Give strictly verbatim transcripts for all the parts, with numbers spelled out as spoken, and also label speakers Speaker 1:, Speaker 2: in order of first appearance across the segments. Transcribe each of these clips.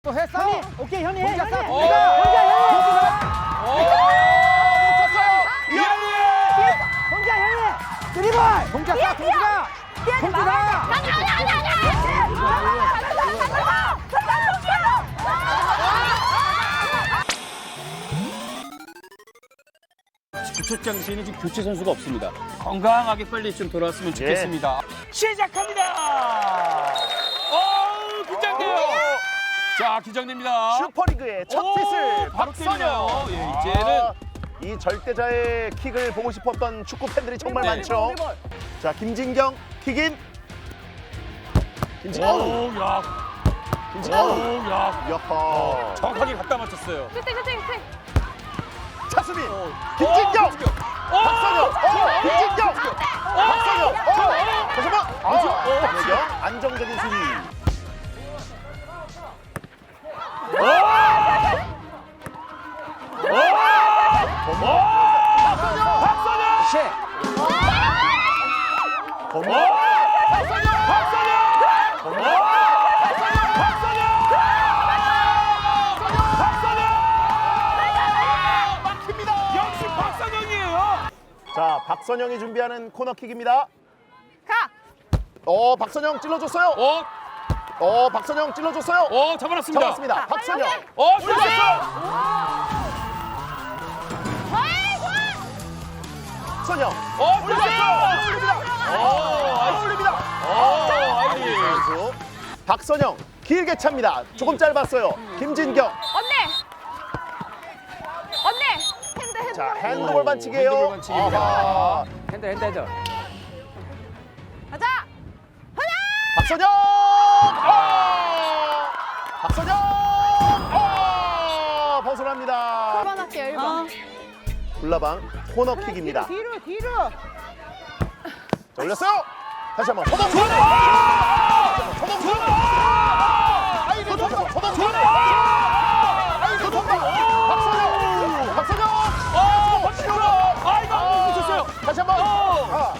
Speaker 1: 또 했어?
Speaker 2: 현이, 오케이 현이 해.
Speaker 1: 동작
Speaker 2: 현이.
Speaker 1: 어.
Speaker 2: 내가 혼자 해.
Speaker 1: 오!
Speaker 2: 혼자 현이. 드리블.
Speaker 1: 동작 쏴, 동작! 동작!
Speaker 3: 주초장 시에는 지금 교체 선수가 없습니다. 건강하게 빨리 좀 돌아왔으면 좋겠습니다. 시작합니다. 어, 긴장돼요. 자, 긴장됩니다.
Speaker 4: 슈퍼리그의 첫
Speaker 3: 오,
Speaker 4: 킥을
Speaker 3: 바로 때리네요.
Speaker 4: 박선영.
Speaker 3: 예, 이제는
Speaker 4: 아, 이 절대자의 킥을 보고 싶었던 축구 팬들이 정말
Speaker 3: 네.
Speaker 4: 많죠. 자, 김진경 킥인. 김진경.
Speaker 3: 오, 야,
Speaker 4: 김진경.
Speaker 3: 오, 야,
Speaker 4: 여허.
Speaker 3: 정확하게 갖다 맞췄어요.
Speaker 4: 차수민.
Speaker 3: 어,
Speaker 4: 김진경.
Speaker 3: 김진경.
Speaker 4: 박선영. 어, 김진경. 박선영. 어, 다시 한 번. 아,
Speaker 3: 어,
Speaker 4: 안혜경. 안정적인 수비.
Speaker 1: 시!
Speaker 4: 범호.
Speaker 3: 역시 박선영이에요.
Speaker 4: 자, 박선영이 준비하는 코너킥입니다. 어, 박선영 찔러줬어요.
Speaker 3: 어,
Speaker 4: 어, 박선영 찔러줬어요.
Speaker 3: 어, 잡아놨습니다.
Speaker 4: 잡았습니다. 박선영.
Speaker 3: 어, 찔렀어.
Speaker 4: 박선영.
Speaker 3: 어,
Speaker 4: 올렸어요.
Speaker 3: 찔렀어.
Speaker 4: 올립니다.
Speaker 3: 어,
Speaker 4: 올립니다.
Speaker 3: 어, 아이디.
Speaker 4: 선수. 박선영 길게 찹니다. 조금 짧았어요. 김진경.
Speaker 5: 언니! 언니! 핸드 핸드
Speaker 4: 자,
Speaker 3: 오,
Speaker 4: 핸드볼 반칙이에요.
Speaker 3: 핸드볼 반칙입니다.
Speaker 4: 아하.
Speaker 1: 핸들, 핸들, 핸들.
Speaker 5: 가자!
Speaker 4: 박선영. 아! 박선영. 아! 벗어납니다.
Speaker 5: 일 번 할게요, 일 번.
Speaker 4: 굴라방 코너킥입니다.
Speaker 2: 뒤로 뒤로.
Speaker 4: 자, 올렸어요. 다시 한번 서동주. 서동주. 아이고, 서동주. 서동주. 아이고, 서동주. 박선영. 박선영.
Speaker 3: 어, 박선영. 아, 이거 안 붙였어요.
Speaker 4: 다시 한번. 아.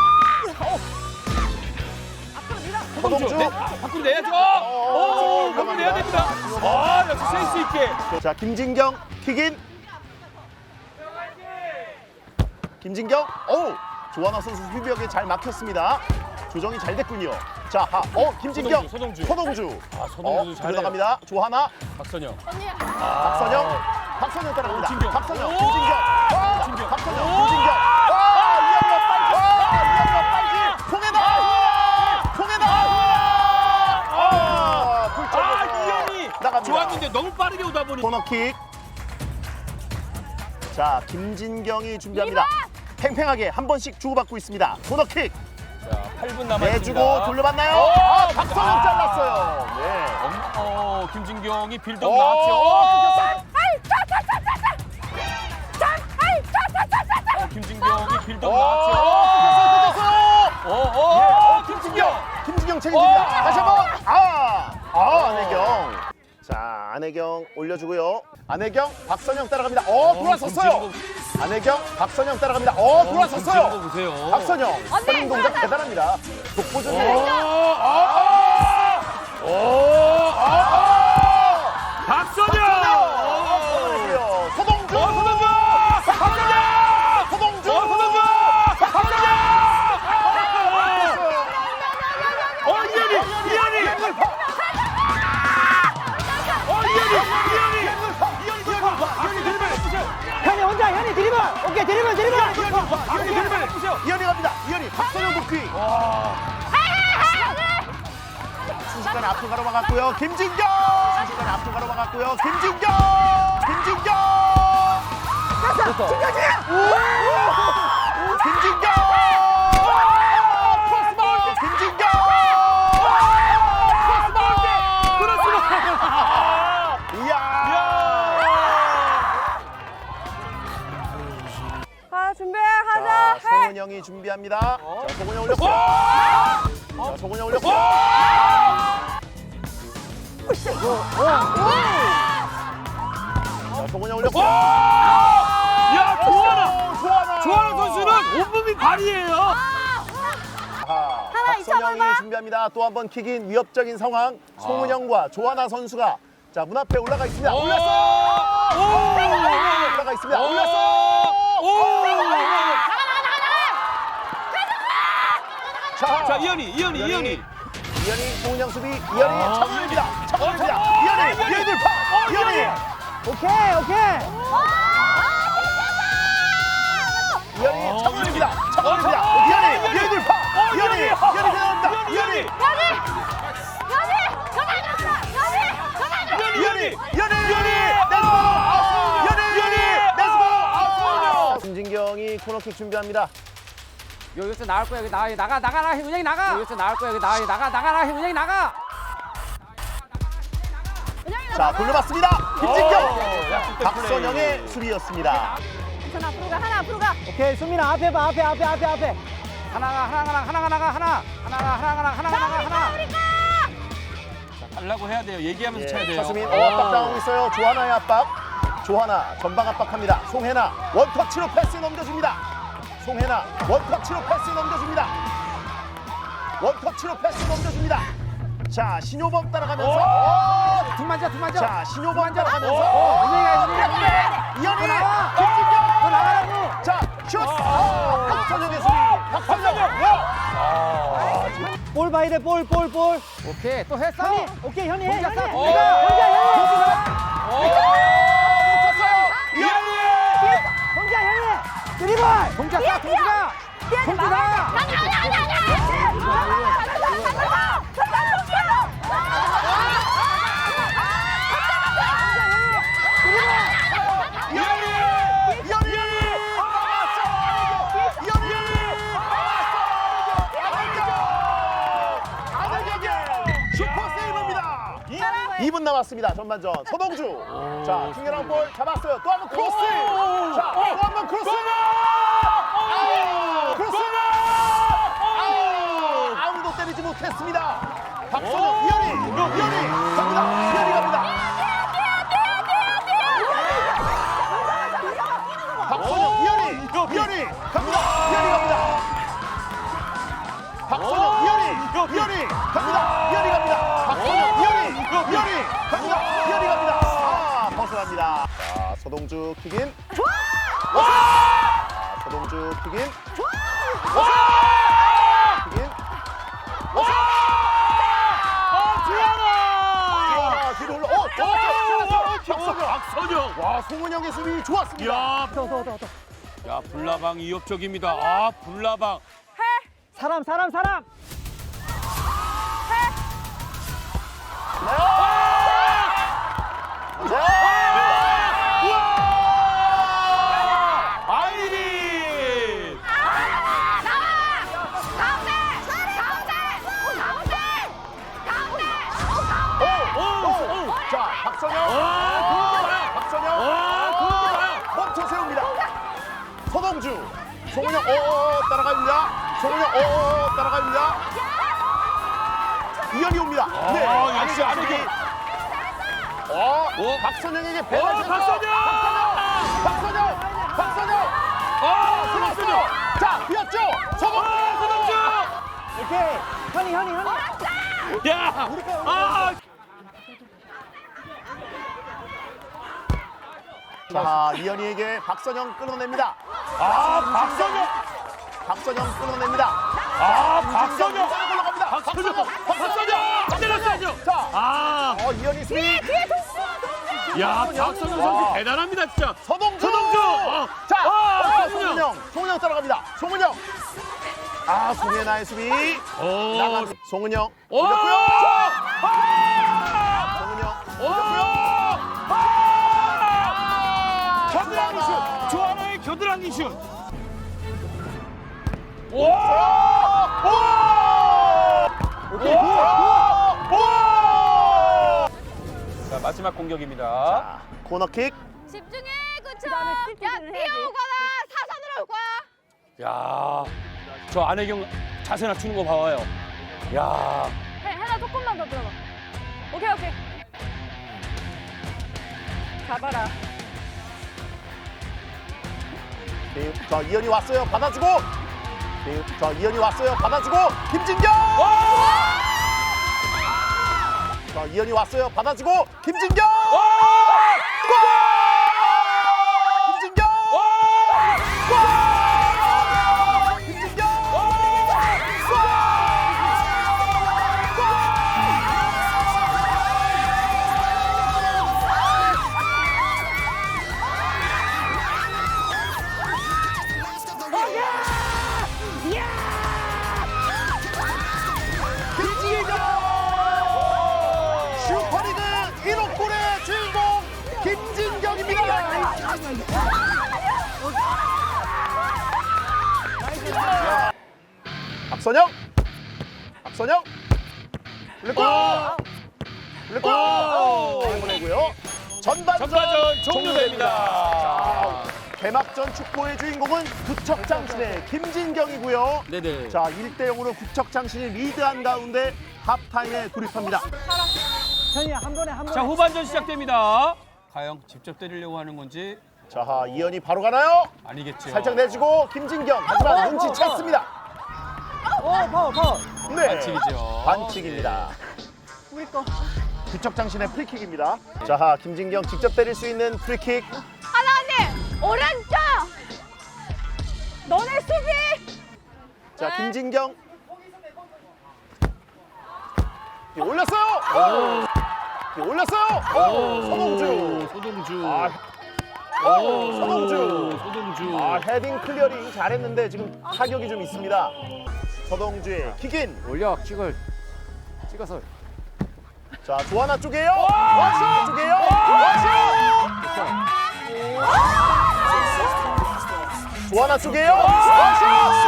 Speaker 4: 서동주.
Speaker 3: 네, 밖으로 내야죠.
Speaker 4: 어,
Speaker 3: 오, 밖으로 내야 됩니다. 아, 역시 센스 있게.
Speaker 4: 자, 김진경 킥인. 김진경. 어우, 조하나 선수 수비벽에 잘 막혔습니다. 조정이 잘 됐군요. 자, 하. 어, 김진경.
Speaker 3: 서동주, 서동주.
Speaker 4: 서동주.
Speaker 3: 아, 서동주
Speaker 4: 어,
Speaker 3: 잘해요.
Speaker 4: 들어갑니다. 조하나.
Speaker 3: 박선영.
Speaker 4: 박선영. 박선영 따라갑니다.
Speaker 3: 김진경.
Speaker 4: 박선영.
Speaker 3: 오!
Speaker 4: 김진경. 와!
Speaker 3: 김진경.
Speaker 4: 박선영.
Speaker 3: 오!
Speaker 4: 김진경. 와! 이현이가 빨리. 와! 이현이가 빨리. 통해나. 통해나. 아! 불점.
Speaker 3: 아, 이현이
Speaker 4: 나갑니다.
Speaker 3: 좋았는데 너무 빠르게 오다 보니.
Speaker 4: 코너킥. 자, 김진경이 준비합니다. 팽팽하게 한 번씩 주고받고 있습니다. 코너킥.
Speaker 3: 자, 팔 분 남았습니다.
Speaker 4: 내주고 돌려봤나요?
Speaker 3: 오!
Speaker 4: 아, 박선영 잘랐어요. 네.
Speaker 3: 어, 어, 김진경이 빌드업
Speaker 4: 오,
Speaker 3: 나왔죠.
Speaker 4: 끊겼어요.
Speaker 3: 어, 김진경이 빌드업
Speaker 4: 오,
Speaker 3: 나왔죠.
Speaker 4: 끊겼어요. 끊겼어요.
Speaker 3: 어, 어,
Speaker 4: 예,
Speaker 3: 어,
Speaker 4: 김진경.
Speaker 3: 김진경.
Speaker 4: 김진경 책임집니다.
Speaker 3: 오!
Speaker 4: 다시 한번. 아, 아, 안혜경. 자, 안혜경 올려주고요. 안혜경, 박선영 따라갑니다. 어, 돌아섰어요.
Speaker 3: 김진경.
Speaker 4: 안혜경, 박선영 따라갑니다. 어,
Speaker 3: 김진경
Speaker 4: 돌아섰어요.
Speaker 3: 보세요.
Speaker 4: 박선영, 선임 동작 대단합니다.
Speaker 3: 오,
Speaker 4: 독보적이에요.
Speaker 3: 아, 오, 아, 박선영.
Speaker 4: 박선영. 서동주.
Speaker 3: 어, 서동주. 박선영.
Speaker 4: 서동주.
Speaker 3: 어, 서동주. 박선영. 어, 이현이, 이현이. 어, 이현이, 이현이. 이현이 돌파. 이현이 드리블 해주세요.
Speaker 2: 현이 혼자 현이 드리블. 오케이 드리블 드리블.
Speaker 3: 이현이 드리블 해주세요.
Speaker 4: 이현이 갑니다. 이현이 박선영 복귀. 순식간에 앞으로 가로막았고요. 김진경. 순식간에 앞으로 가로막았고요. 김진경. 김진경. 김진경. 크로스볼. 김진경. 크로스볼. 이야.
Speaker 5: 가, 준비해,
Speaker 4: 자,
Speaker 5: 가자! 해!
Speaker 4: 송은 형이 준비합니다. 자, 송은 형 올렸어요. 자, 송은 형 올렸어요. 자, 송은 형 올렸어요.
Speaker 3: 야, 조하나.
Speaker 4: 조하나.
Speaker 3: 조하나 선수는 온몸이 발이에요.
Speaker 4: 박선영이 준비합니다. 또 한 번 킥인 위협적인 상황. 송은영과 조하나 선수가 자, 문 앞에 올라가 있습니다.
Speaker 3: 오!
Speaker 4: 올렸어!
Speaker 3: 오!
Speaker 4: 올라가 있습니다. 올렸어!
Speaker 3: 오!
Speaker 4: 자,
Speaker 3: 자, 이현이, 이현이,
Speaker 4: 이현이.
Speaker 3: 이현이.
Speaker 4: 이현이 송은영 수비. 이현이
Speaker 3: 아.
Speaker 4: 차올립니다. 차올립니다.
Speaker 3: 어,
Speaker 4: 이현이,
Speaker 3: 이현이.
Speaker 4: 이현이 돌파. 이현이.
Speaker 2: 오케이, 오케이.
Speaker 4: 이현이
Speaker 3: 어,
Speaker 4: 차올립니다.
Speaker 3: 어,
Speaker 4: 차올립니다.
Speaker 3: 어,
Speaker 4: 이현이,
Speaker 3: 이현이.
Speaker 4: 이현이 돌파.
Speaker 3: 어,
Speaker 4: 이현이,
Speaker 3: 이현이.
Speaker 4: 이현이 대단합니다.
Speaker 3: 이현이,
Speaker 4: 이현이,
Speaker 3: 이현이.
Speaker 4: 이현이, 이현이, 이현이, 렛츠고! 이현이, 이현이, 렛츠고! 아웃! 김진경이 코너킥 준비합니다.
Speaker 1: 여기서 나갈 거야. 여기 나가. 나가 나가라. 은영이 나가. 여기서 나갈 거야. 여기 나가. 나가 나가라. 은영이 나가.
Speaker 4: 자, 돌려봤습니다. 김진경.
Speaker 3: 오, 약속된
Speaker 4: 박선영의
Speaker 3: 플레이.
Speaker 4: 수비였습니다.
Speaker 5: 하나 앞으로 가, 하나 앞으로 가.
Speaker 2: 오케이, 수민아, 앞에 봐, 앞에, 앞에, 앞에, 앞에.
Speaker 1: 하나가 하나가 하나가 나가 하나. 하나가 하나가 하나가 나가 하나.
Speaker 3: 달라고 해야 돼요. 얘기하면서 쳐야
Speaker 4: 예,
Speaker 3: 돼요.
Speaker 4: 차수민 어, 압박 당하고 있어요. 조하나의 압박. 조하나 전방 압박합니다. 송혜나 원터치로 패스 넘겨줍니다. 송혜나 원터치로 패스 넘겨줍니다. 원터치로 패스 넘겨줍니다. 자, 신효범 따라가면서 어,
Speaker 1: 뒷만져 뒷만져.
Speaker 4: 자, 신효범
Speaker 1: 뒷만져.
Speaker 4: 따라가면서
Speaker 1: 어, 은영이가 은영이가 은영이가.
Speaker 4: 이현이
Speaker 1: 또 나와.
Speaker 4: 김진경
Speaker 1: 또 나가라고.
Speaker 4: 자, 슛! 아, 박선영의 수비. 박선영.
Speaker 2: 볼 봐야 돼, 볼, 볼, 볼.
Speaker 1: 오케이 또 했어.
Speaker 2: 현이, 오케이, 현이 해,
Speaker 1: 동작
Speaker 2: 현이.
Speaker 1: 싹.
Speaker 2: 내가,
Speaker 3: 오.
Speaker 2: 혼자, 현이.
Speaker 4: 이현이!
Speaker 2: 혼자, 현이. 드리블.
Speaker 1: 동작 싹 동지가. 동지가.
Speaker 4: 이현이! 이현이! 이현이! 안혜경! 슈퍼 세이브입니다. 이 분 남았습니다. 전반전. 서동주. 자, 킹이랑 볼 잡았어요. 또 한 번 크로스. 자, 또 한 번 크로스. 아우! 크로스. 아우! 아무도 때리지 못했습니다. 박선영, 이현이, 이현이 갑니다. 이현이 갑니다. 박선영, 이현이, 이현이 갑니다. 이현이 갑니다. 박선영, 이현이, 이현이 갑니다. 이현이 갑니다. 박선영, 이현이, 이현이 갑니다. 이현이 갑니다. 아, 벗어납니다. 자, 서동주 킥인. 자, 서동주 킥인. 킥인. 주하나 뒤로 올라. 어, 잡았어. 박선영.
Speaker 3: 박선영.
Speaker 4: 와, 송은영의 수비 좋았습니다.
Speaker 3: 야,
Speaker 2: 더, 더, 더, 더.
Speaker 3: 야, 불나방 위협적입니다. 아, 불나방.
Speaker 2: 사람, 사람, 사람.
Speaker 3: 아이린.
Speaker 4: 오, 오, 자, 박선영. 박선영. 멈춰 세웁니다. 서동주. 송은영, 오, 따라갑니다. 송은영, 오, 따라갑니다. 이현이 옵니다. 네,
Speaker 3: 아, 역시 안혜경.
Speaker 4: 어,
Speaker 3: 오.
Speaker 4: 박선영에게
Speaker 3: 오,
Speaker 4: 배달해서
Speaker 3: 박선영!
Speaker 4: 박선영! 박선영!
Speaker 3: 아,
Speaker 4: 들어왔어요. 자, 비었죠? 서동주!
Speaker 3: 서동주.
Speaker 2: 오케이. 현이, 현이, 현이.
Speaker 3: 야, 아,
Speaker 4: 자, 이현이에게 박선영 끊어냅니다.
Speaker 3: 아, 박선영.
Speaker 4: 박선영 끊어냅니다.
Speaker 3: 아, 박선영.
Speaker 4: 올라갑니다.
Speaker 3: 박선영. 박선영. 때렸어요.
Speaker 4: 자,
Speaker 3: 아,
Speaker 4: 어, 이현이 수비.
Speaker 3: 야, 박선영
Speaker 4: 와.
Speaker 3: 선수 대단합니다, 진짜.
Speaker 4: 서동주!
Speaker 3: 서동주! 어.
Speaker 4: 자,
Speaker 3: 아,
Speaker 4: 아,
Speaker 3: 송은영.
Speaker 4: 송은영. 송은영 따라갑니다. 송은영. 아, 송혜나의 수비.
Speaker 3: 오,
Speaker 4: 나가. 송은영.
Speaker 3: 오!
Speaker 4: 올렸고요.
Speaker 3: 아!
Speaker 4: 송은영.
Speaker 3: 오!
Speaker 4: 아!
Speaker 3: 겨드랑이 슛! 조하나의 겨드랑이 슛! 오!
Speaker 4: 오!
Speaker 2: 오케이,
Speaker 4: 오!
Speaker 2: 굿,
Speaker 4: 오!
Speaker 3: 자, 마지막 공격입니다.
Speaker 4: 자, 코너킥.
Speaker 5: 집중해, 그쵸? 그다음에 야, 뛸 해야지. 뛰어오거나 사선으로 올 거야.
Speaker 3: 야, 저 안혜경 자세 낮추는 거 봐봐요. 야,
Speaker 5: 해, 해나 조금만 더 들어가. 오케이, 오케이. 잡아라.
Speaker 4: 네, 자, 이현이 왔어요. 받아주고. 네, 자, 이현이 왔어요. 받아주고. 김진경. 자, 이현이 왔어요. 받아주고 김진경! 골! 김진경! 골! 김진경! 슈퍼리그 일 호 골의 주인공 김진경입니다. 박선영, 박선영, 블랙골, 블랙골, 보내고요. 전반전,
Speaker 3: 전반전
Speaker 4: 종료됩니다.
Speaker 3: 종료됩니다.
Speaker 4: 자, 개막전 축구의 주인공은 구척장신의 김진경이고요.
Speaker 3: 네네.
Speaker 4: 자, 일 대 영으로 구척장신이 리드한 가운데 하프타임에 돌입합니다.
Speaker 2: 현이야 한 번에 한 번에.
Speaker 3: 자, 후반전 시작됩니다. 과연 직접 때리려고 하는 건지
Speaker 4: 자, 이현이 바로 가나요?
Speaker 3: 아니겠죠.
Speaker 4: 살짝 내주고 김진경, 하지만 눈치챘습니다.
Speaker 2: 어 파워 파워.
Speaker 4: 네,
Speaker 3: 반칙이죠.
Speaker 4: 반칙입니다.
Speaker 5: 우리 거.
Speaker 4: 구척장신의 프리킥입니다. 자, 김진경 직접 때릴 수 있는 프리킥.
Speaker 5: 하나님 오른쪽. 너네 수비.
Speaker 4: 자, 김진경. 이 올렸어요. 이 올렸어요. 오, 서동주.
Speaker 3: 소동주.
Speaker 4: 아, 오, 서동주.
Speaker 3: 소동주.
Speaker 4: 아, 헤딩 클리어링 잘했는데 지금 타격이 좀 있습니다. 서동주의 킥인.
Speaker 1: 올려 킥을 찍어서.
Speaker 4: 자, 조하나 쪽이에요. 와시 쪽이에요. 와시. 조하나 쪽이에요. 와시.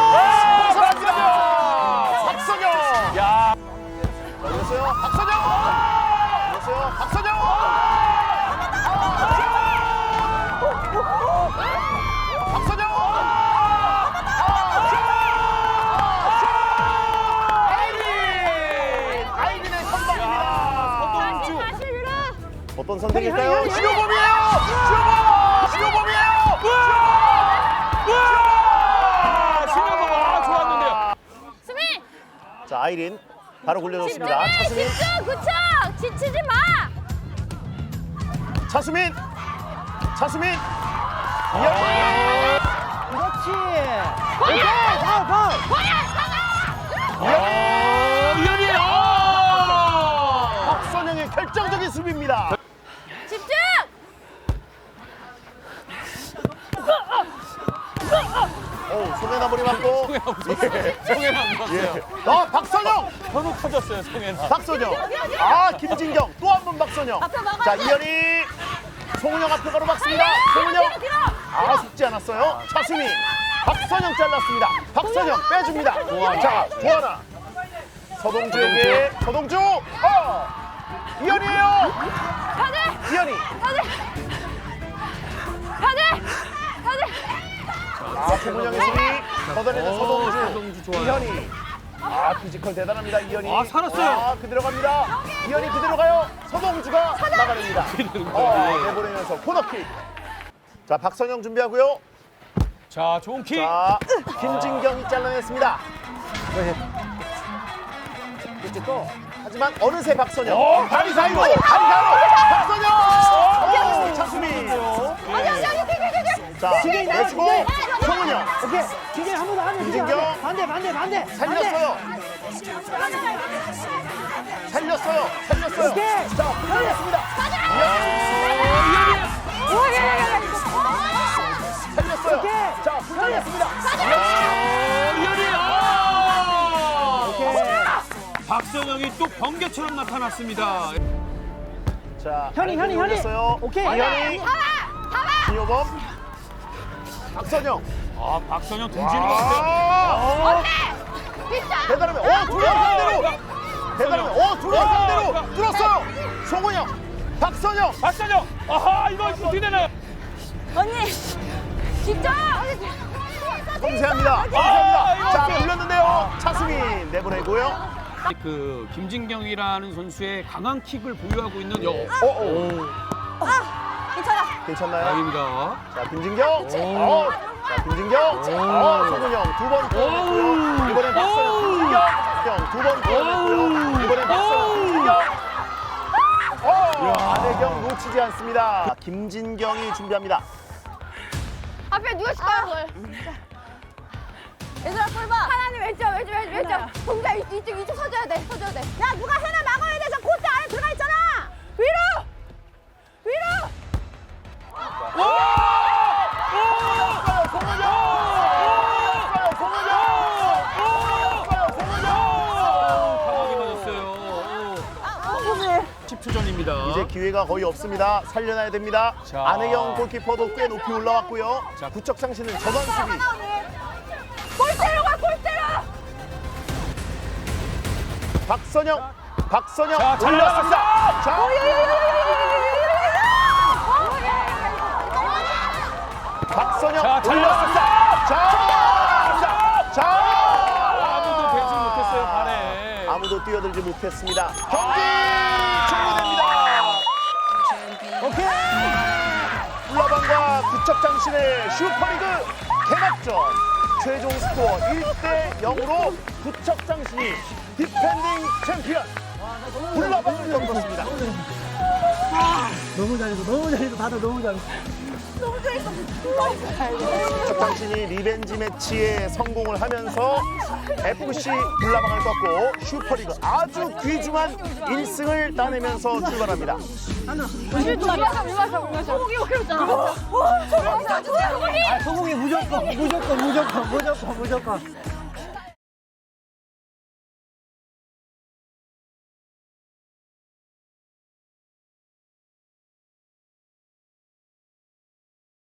Speaker 4: 벗어납니다. 박선영.
Speaker 3: 야,
Speaker 4: 올렸어요. 박선영. 올렸어요. 박선영. 박선영. 아이린. 아이린의 선방입니다.
Speaker 3: 소동주.
Speaker 5: 다시 밀어.
Speaker 4: 어떤 선택일까요?
Speaker 2: 형이, 형이, 형이.
Speaker 4: 신호범이에요. 신호범. 신호범이에요.
Speaker 3: 아, 신호범 아, 좋았는데요.
Speaker 5: 수비.
Speaker 4: 자, 아이린 바로 굴려줬습니다.
Speaker 5: 집중해.
Speaker 4: 차수민.
Speaker 5: 집중. 구척. 지치지 마.
Speaker 4: 차수민. 차수민.
Speaker 2: 그렇지. 오케이 파워 파워.
Speaker 3: 이현이
Speaker 4: 박선영의 결정적인 수비입니다.
Speaker 5: 집중.
Speaker 4: 오, 송혜나 머리 맞고.
Speaker 3: 송혜나 안 봤어요.
Speaker 4: 예. 어, 박선영.
Speaker 3: 현우 터졌어요, 송혜나.
Speaker 4: 박선영. 아, 김진경. 또 한 번 박선영.
Speaker 5: 앞에 막아야
Speaker 4: 자,
Speaker 5: 돼.
Speaker 4: 이현이. 송은영 앞에 가로 막습니다. 송은영. 아, 속지 않았어요. 차수민. 박선영 잘랐습니다. 박선영 빼줍니다. 자, 조하나. 서동주에게 서동주. 어. 이현이에요.
Speaker 5: 가자.
Speaker 4: 이현이.
Speaker 5: 가자. 가자. 가자.
Speaker 4: 아, 송은영의 수비. 걷어내는
Speaker 3: 오,
Speaker 4: 서동주.
Speaker 3: 서동주 좋아요.
Speaker 4: 이현이. 아, 피지컬 대단합니다. 이현이.
Speaker 3: 아, 살았어요.
Speaker 4: 아, 그대로 갑니다. 이현이 그대로 가요. 서동주가 나가냅니다. 어, 내보내면서 코너킥. 자, 박선영 준비하고요.
Speaker 3: 자, 좋은 킥.
Speaker 4: 자, 김진경이 잘라냈습니다. 그렇지 또. 하지만 어느새 박선영.
Speaker 3: 어,
Speaker 4: 다리 사이로. 다리 사이로. 박선영. 어, 차수민. 자, 내주고 송은영.
Speaker 2: 오케이. 기계 한 번 더 하면
Speaker 4: 김진경.
Speaker 2: 반대 반대 반대.
Speaker 4: 살렸어요. 살렸어요. 살렸어요.
Speaker 2: 오케이.
Speaker 4: 자, 살렸습니다. 살렸어요.
Speaker 2: 오케이.
Speaker 4: 자, 살렸습니다.
Speaker 3: 이현이 아!
Speaker 2: 오케이.
Speaker 3: 박선영이 또 번개처럼 나타났습니다.
Speaker 4: 자,
Speaker 2: 현이, 현이, 현이.
Speaker 4: 올렸어요.
Speaker 2: 오케이.
Speaker 4: 이현이. 이호범. 박선영.
Speaker 3: 아, 박선영 등지는 것 같아요.
Speaker 4: 아, 대단하면 어, 두명 상대로. 대단하면 어, 두명 상대로 뚫었어요. 송은영. 박선영.
Speaker 3: 박선영. 아하, 이거 어떻게 되나요?
Speaker 5: 언니. 진짜.
Speaker 4: 섬세합니다.
Speaker 3: 아,
Speaker 4: 섬세합니다.
Speaker 3: 이거
Speaker 4: 자,
Speaker 3: 어때요?
Speaker 4: 불렸는데요. 차수민 내보내고요.
Speaker 3: 그 김진경이라는 선수의 강한 킥을 보유하고 있는 여.
Speaker 4: 어, 어.
Speaker 5: 괜찮아.
Speaker 4: 괜찮나요?
Speaker 3: 다행입니다.
Speaker 4: 자, 김진경. 어. 자, 김진경. 어, 송은영 두 번 보냈고요. 이번엔 박선영. 김진경. 두번 보냈고요. 이번엔 박선영. 김진경. 어, 안혜경 놓치지 않습니다. 김진경이 준비합니다.
Speaker 5: 앞에 누가 칠까요 그걸? 얘들아 볼 봐. 하나님 왼쪽 왼쪽 왼쪽 왼쪽. 동자 이- 이쪽 이쪽 서줘야 돼 서줘야 돼. 야 누가 하나 막아야 돼. 저 골대 안에 들어가 있잖아. 위로 위로.
Speaker 3: 강하게 맞았어요. 십 초 전입니다.
Speaker 4: 이제 기회가 거의 없습니다. 살려놔야 됩니다.
Speaker 3: 자.
Speaker 4: 안혜경 골키퍼도 꽤 높이 올라왔고요.
Speaker 3: 자.
Speaker 4: 구척장신은 전원 수비.
Speaker 5: 골대로 가 골대로.
Speaker 4: 박선영, 박선영
Speaker 3: 자, 잘
Speaker 4: 올렸습니다. 자, 박선영
Speaker 3: 자, 잘
Speaker 4: 올렸습니다. 자, 자,
Speaker 3: 아무도 배지 못했어요, 발에.
Speaker 4: 아무도 뛰어들지 못했습니다. 경기 종료됩니다. 오케이. 울라방과 구척장신의 슈퍼리그 개막전. 최종 스코어 일 대 영으로 구척장신이 디펜딩 챔피언 울라방을 넘겼습니다.
Speaker 2: 너무 잘했어, 너무 잘했어, 다들 너무 잘했어.
Speaker 4: 구척장신이 리벤지 매치에 성공을 하면서 에프씨 울라방을 꺾고 슈퍼리그 아주 귀중한 일 승을 따내면서 출발합니다.
Speaker 2: 아, 소공이 무조건, 무조건, 무조건, 무조건, 무조건.